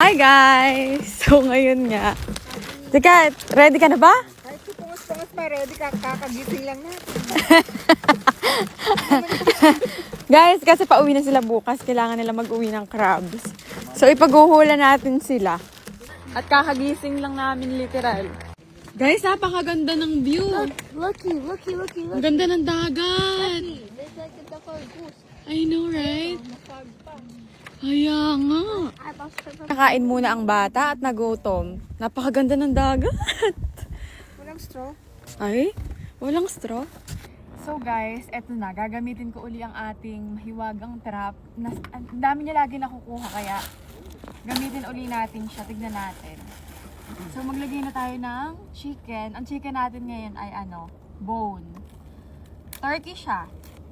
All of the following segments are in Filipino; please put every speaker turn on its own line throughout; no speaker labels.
Hi guys! So ngayon nga. Teka, ready ka na ba?
Kahit pungos-pungos pa, ready ka, kakagising lang natin.
Guys, kasi pauwi na sila bukas. Kailangan nila mag-uwi ng crabs. So ipaghuhula natin sila. At kakagising lang namin literal. Guys, napakaganda ng view.
Looky.
Ang ganda ng dagat.
There's like a duck or a goose.
I know, right? Kaya nga.
I lost her.
Nakain muna ang bata at nagutom. Napakaganda ng dagat.
Walang straw.
Ay, walang straw. So guys, eto na. Gagamitin ko uli ang ating mahiwagang trap. Ang dami niya lagi nakukuha kaya gamitin uli natin siya. Tignan natin. So maglagay na tayo ng chicken. Ang chicken natin ngayon ay bone. Turkey siya.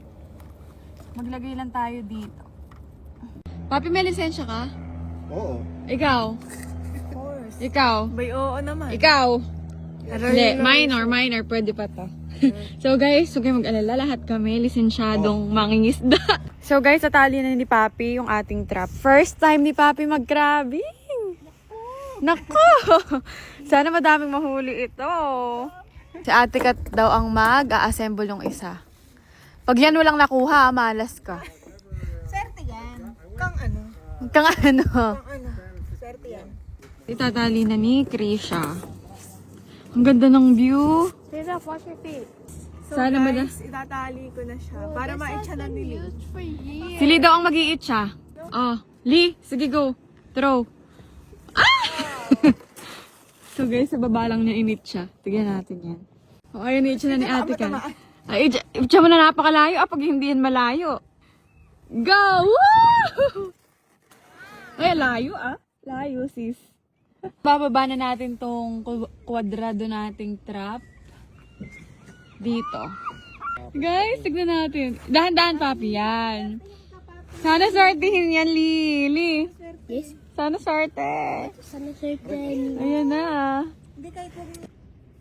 Maglagay lang tayo dito. Papi, may lisensya ka?
Oo.
Ikaw?
Of course.
Ikaw?
May oo naman.
Ikaw? Hindi, minor, pwede pa to. So guys, huwag kayong mag-alala, lahat kami lisensyadong mangingisda. So guys, natali na ni Papi yung ating trap. First time ni Papi mag-crabbing. Nako! Sana madaming mahuli ito. Si Ate Kat daw ang mag-a-assemble yung isa. Pag yan walang nakuha, malas ka.
Swerte yan. Kang ano?
Kang ano?
Kang ano? Swerte yan.
Itatali na ni Krisha. Ang ganda ng view.
Tita, wash your feet.
So
Sana
guys, itatali ko na siya para ma-itcha na nili.
Used for years.
Si Lee daw ang mag-i-eat siya. Oh, Lee, sige go. Throw. Ah! So guys, sa baba lang niya init siya. Tignan natin yan. Oh, ayun, i-eat siya na ni Ate Kat. Ay, i-eat siya mo na napakalayo. Pag hindi yan malayo. Go! Woo! Ay, layo Layo, sis. Bababa na natin tong kwadrado nating trap. Dito. Guys, tignan natin. Dahan-dahan, Papi, yan. Sana swertihin yan, Lily.
Yes.
Sana swerte.
Sana certain.
Ayan na.
Hindi kahit huwag mo.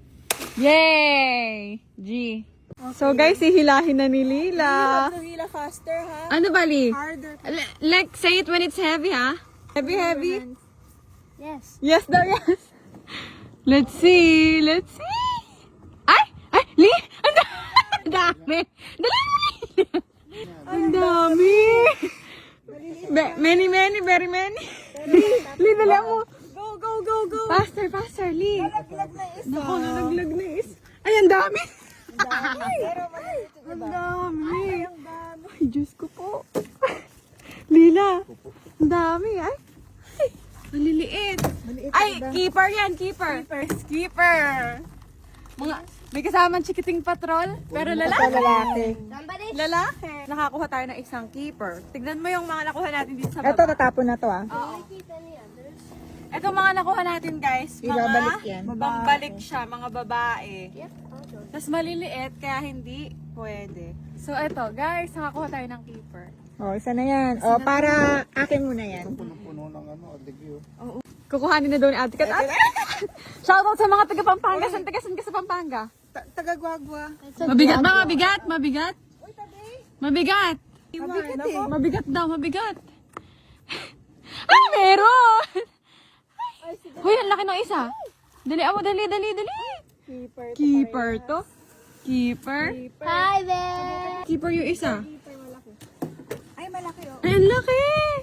Yay! G. So guys, hihilahin na ni Lila.
Have to hila faster, ha?
Ano ba, Lee?
Harder.
Like, say it when it's heavy, ha? Heavy?
Yes.
Yes daw, yes. Let's see. Ay, Lee! Ang dami! Dali mo, Lee! Ang dami! Many, very many. Lee, dali mo.
Go.
Faster, Lee.
Nalaglag na isa.
Naku, nalaglag na is. Ay, ang dami!
Pero maliit yung
Ang
iba.
dami!
Ang dami.
Ay, Diyos ko po. Lila, ang dami. Ay, maliliit.
Maliit
Ay,
yung iba.
keeper yan, keeper. Mga, may kasamang chikiting patrol, pero lalaki.
Somebody.
Lalaki. Nakakuha tayo ng isang keeper. Tignan mo yung mga nakuha natin dito sa baba.
Ito, natapon na to, ah.
Oo.
Keep any others.
Ito mga nakuha natin, guys.
Ibabalik yan.
Pambalik siya, mga babae.
Yep, I'll do it.
Tapos maliliit, kaya hindi pwede. So, ito, guys, nakakuha tayo ng keeper.
Oh, isa na yan. Oh, para akin muna yan.
Puno ng adigyo.
Kukuhanin na daw ni Ate Kat. Shoutout sa mga taga Pampanga. Saan ka sa Pampanga?
Tagagwagwa.
Mabigat ba? Mabigat?
Uy, tabi.
Mabigat.
Mabigat eh.
Mabigat daw, mabigat. Ay, meron! Uy, ang laki ng isa. Dali, dali.
Keeper.
Keeper to. Keeper.
Hi there.
Keeper yung isa.
Ay, malaki oh.
Ay, ang laki!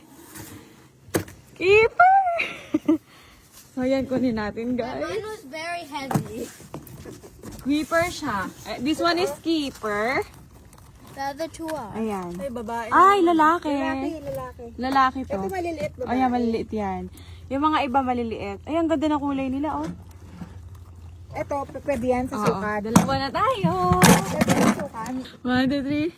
Keeper! So, yan, kunin natin, guys.
Mine was very heavy.
Keeper siya. This one is keeper.
The other two are.
Ayan.
Ay, babae.
Ay, lalaki.
Lalaki.
Lalaki to.
Ito maliliit babae.
Ayan, maliliit yan. Yung mga iba maliliit. Ay, ang ganda ng kulay nila, oh.
Ito, pwede yan sa
Oo,
sukat.
dalawa na tayo.
Pwede yan sa sukat.
1, 2, 3.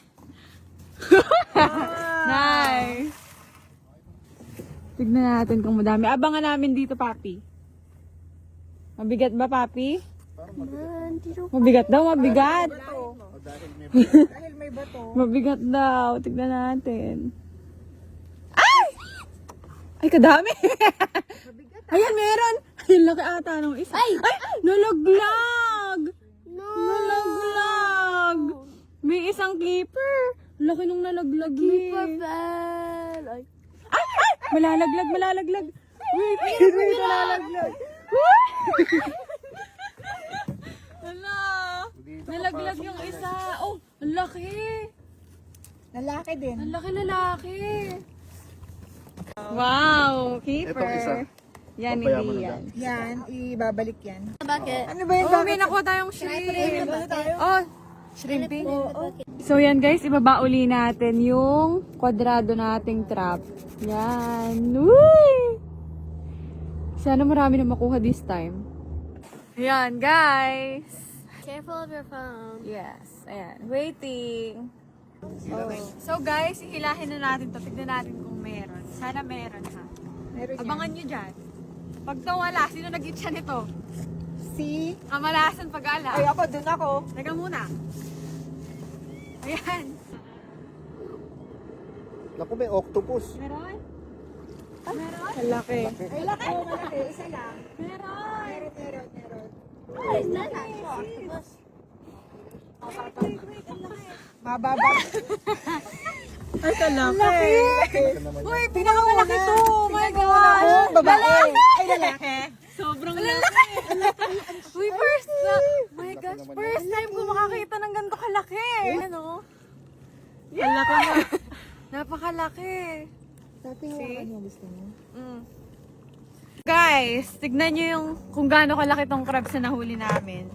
Nice. Tignan natin kung madami. Abangan namin dito, Papi. Mabigat ba, Papi?
Man, Tito.
Mabigat daw, mabigat.
Dahil may bato.
Mabigat daw. Tignan natin. Ay! Ay, kadami. Ayan, meron. Ay, laki ata nung isa. Ay! Nalaglag!
No.
Nalaglag! May isang keeper. Laki nung nalaglag
Keeper
eh.
fell. Ay.
Ay! Malalaglag.
Wait, nalalaglag.
Hala! Nalaglag yung isa. Oh, ang laki.
Lalaki din.
Ang laki lalaki. Wow, keeper.
Itong isa.
Yan,
Papayaman
hindi
na
yan.
Yan, ibabalik yan.
Bucket.
Ano ba yung
Oh, may nakuha tayong shrimp. Oh, shrimping. So yan guys, ibaba uli natin yung kwadrado nating trap. Yan. Uy! Sana marami na makuha this time. Yan guys.
Careful of your phone.
Yes. Ayan. Waiting. Oh. So guys, ihilahin na natin to. Tignan natin kung meron. Sana meron ha.
Meron yan.
Abangan nyo dyan. Pag wala, sino nag-itcha nito?
Si...
Kamalasan pag-ala.
Ay, ako, dun ako.
Teka muna. Ayan.
Naku, may octopus.
Meron? Meron?
Ang laki. Ay, laki. Oo, malaki. Isa lang.
Meron.
Meron.
Oh, is that actual octopus?
Mababa. Ay, kalaki.
Uy, pinakamalaki to. Oh my gosh.
Oh, babae. Ay, lalaki.
Sobrang laki. Uy, first na. My gosh, first time ko makakita ng ganito kalaki. Ano? Yeah. Ang laki na. Napakalaki.
Dati hawakan mo, gusto mo.
Mm. Guys, tignan nyo yung kung gaano kalaki tong crabs na nahuli namin.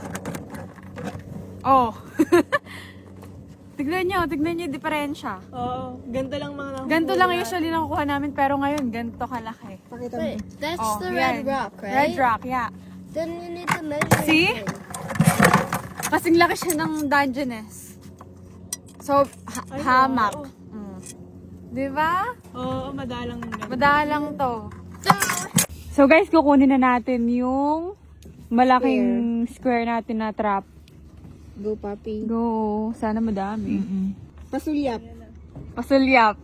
Oh. tignan nyo yung diferensya.
Oo, ganito lang mga
Ganito lang usually nakukuha namin, pero ngayon, ganito kalaki.
Pakita mo.
Wait, that's
Oh,
the
yan.
red rock, right?
Red rock, yeah.
Then you need to measure
See?
it.
Kasing laki siya ng Dungeness. So, hamak. Mm. Di ba?
Oo, madalang
Madalang to. So guys, kukunin na natin yung malaking square natin na trap.
Go, papi.
Go. Sana madami.
Pasulyap.
Pasulyap.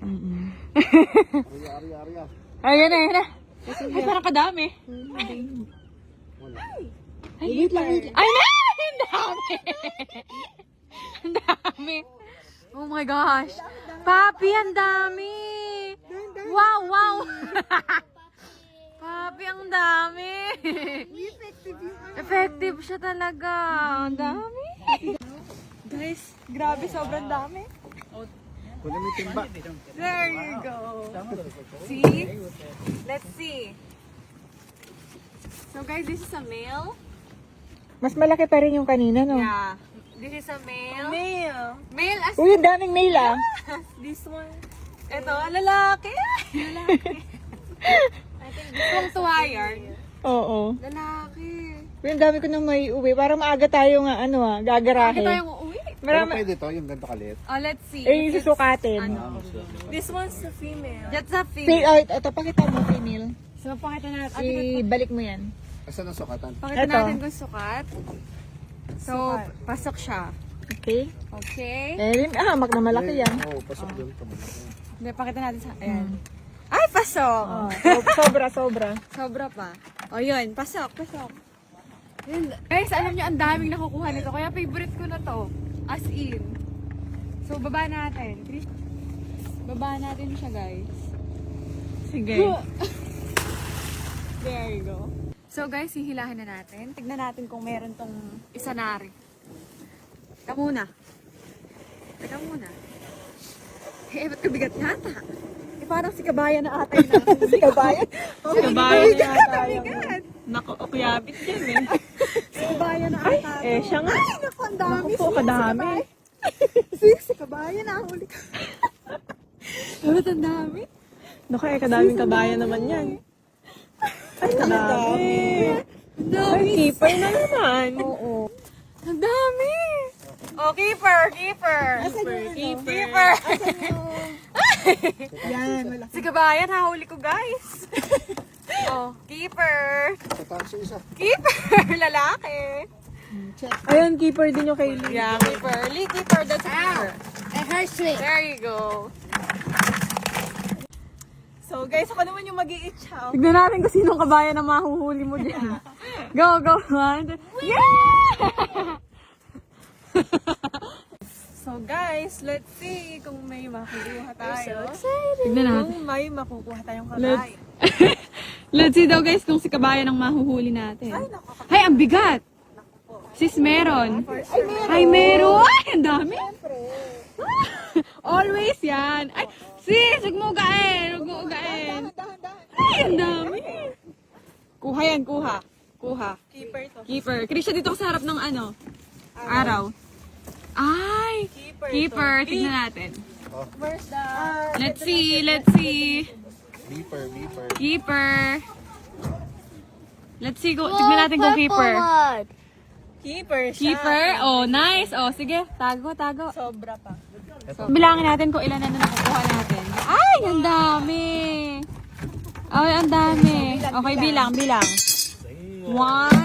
Ari.
Ayan na. Ay, parang kadami.
Wait lang.
Ay, na! Ang dami! Ang dami. Oh my gosh. Papi, ang dami. Wow. Papi, ang dami. Effective siya talaga. Ang dami. Guys, grabe, sobrang dami.
Kunin mo yung timba.
There you go. See? Let's see. So guys, this is a male.
Mas malaki pa rin yung kanina, no?
Yeah. This is a male. Male as
Uy, ang daming mail, ah.
this one. Ito, lalaki. I think this one's wire.
Oo.
Lalaki.
Uy, ang dami ko nang may uwi. Para maaga tayo nga, gagarahe.
Bakit tayo uuwi?
Pero pwede to, yung ganito kalit.
Oh, let's see.
Eh, susukatin.
This one's a female. That's a female.
Oh, ito, pakita mo, female.
So, pakita natin.
Ibalik mo yan.
Asan ang sukatan?
Pakita
Ito.
natin kung sukat. So, pasok siya.
Okay.
Okay.
Eh, hamak na malaki yan.
Oo, pasok doon.
Hindi, pakita natin sa... Ayan. Ay, pasok!
Oh, sobra.
Sobra pa. O, yun. Pasok. Yun. Guys, alam nyo, ang daming nakukuha nito. Kaya favorite ko na to. As in. So, baba natin. Baba natin siya, guys. Sige. There you go. So, guys, hihilahin na natin. Tignan natin kung meron tong isa nari. Teka muna. Eh, ba't kabigat yata? Eh, parang si Kabayan na ata yun. Si Kabayan? Si Kabayan na ata yun.
Naku, kuyabit yan eh.
Si Kabayan na ata.
Eh, siya nga.
Ay, naku, ang dami.
Naku po, kadami.
Si Kabayan na huli ka. Ba't ang dami?
Naku, kadaming kabayan naman yan. Ay, kadami.
Ang dami.
Keeper na naman.
Oo. Ang dami. Oh, keeper. Keeper.
Yan, wala.
Si Kabayan, hahuli ko, guys. Oh, keeper.
Sa taas yung isa.
Keeper, lalaki.
Ayun, keeper din yung kay Lee.
Yeah, keeper. Lee, keeper. That's a keeper.
It hurts me.
There you go.
So guys, ako naman yung mag-i-itch.
Tignan natin kung sinong kabayan na mahuhuli mo dyan. Go, go, one. Yeah! So guys, let's see kung may makukuha tayo.
excited.
Tignan natin.
Kung may makukuha tayong
Let's...
kabayan.
Let's see daw guys kung si kabayan ang mahuhuli natin. Ay, ang bigat! Sis, meron. Ay, meron! Ay, ang dami! Always yan. Ay, sis, huwag mo ugain. Huwag mo ugain. Ay, ang dami. Kuha yan, kuha. Kuha.
Keeper to.
Keeper. Krisha, dito ka sa harap ng ano? Araw. Ay! Keeper. Tignan natin.
Where's the...
Let's see, let's see.
Beeper, beeper.
Keeper. Let's see, tignan natin kung keeper.
One.
Keeper siya.
Keeper? Oh, nice. Oh, sige. Tago, tago.
Sobra pa.
Bilangin natin kung ilan na nakukuha natin. Ay, ang dami. Ay, ang dami. Okay, bilang, bilang. 1,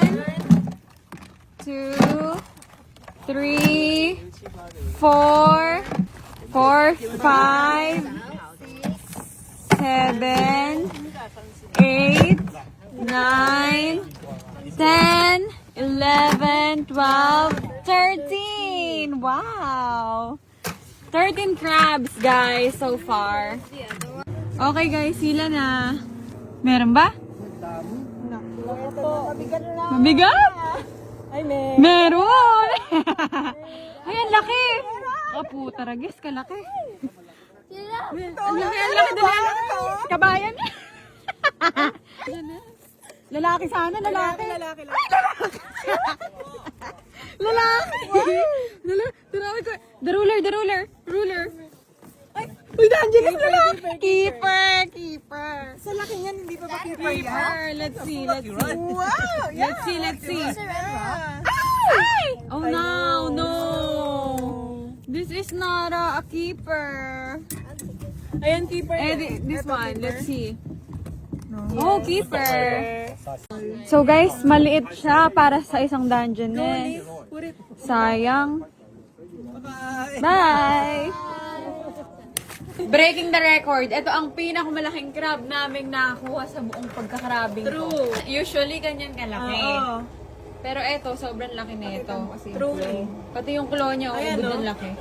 2, 3, 4, 5, 7, 8, 9, 10, 11, 12, 13. Wow. 13 crabs, guys, so far. Okay, guys, sila na. Meron ba? Mabigat?
Ay, may...
Meron! Ay, ang laki! Oh, puta, ragis, kalaki. Ang laki, ang laki, dali. Kabayan. Lalaki sana, lalaki.
Lalaki.
Lalaki! Lalaki ko. The ruler, the ruler. Ruler. Ay, uy, D'Angelis, lalaki. Keeper, keeper.
Sa laki niyan, hindi pa ba keeper yan?
Keeper. Let's see, let's see.
Wow!
Let's see, let's see.
Yeah.
Ay! Oh, no, no. This is not a keeper.
Ayan, keeper.
This one, let's see. Oh, keeper. So guys, maliit siya para sa isang dungeon eh. Sayang. Bye! Breaking the record. Ito ang pinakamalaking crab naming nakakuha sa buong pagkakrabing ko.
True.
Usually, ganyan kalaki.
Oo.
Pero ito, sobrang laki na ito.
Truly.
Pati yung claw niya,
Ayan,
ubod
no?
ng laki.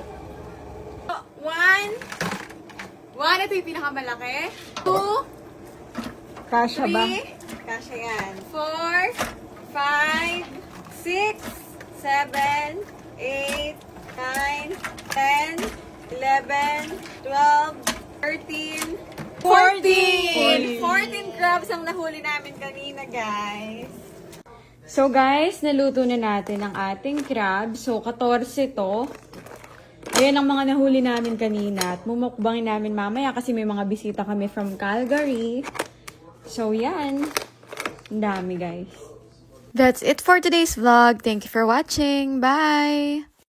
1, ito yung pinakamalaki. 2,
Kasha ba?
3,
Kasha yan.
4, 5, 6, 7, 8, 9, 10, 11, 12, 13, 14! 14 crabs ang nahuli namin kanina, guys. So, guys, naluto na natin ang ating crab. So, 14 to. Ayan ang mga nahuli namin kanina. At mumukbangin namin mamaya kasi may mga bisita kami from Calgary. So, yan. Ang dami, guys. That's it for today's vlog. Thank you for watching. Bye!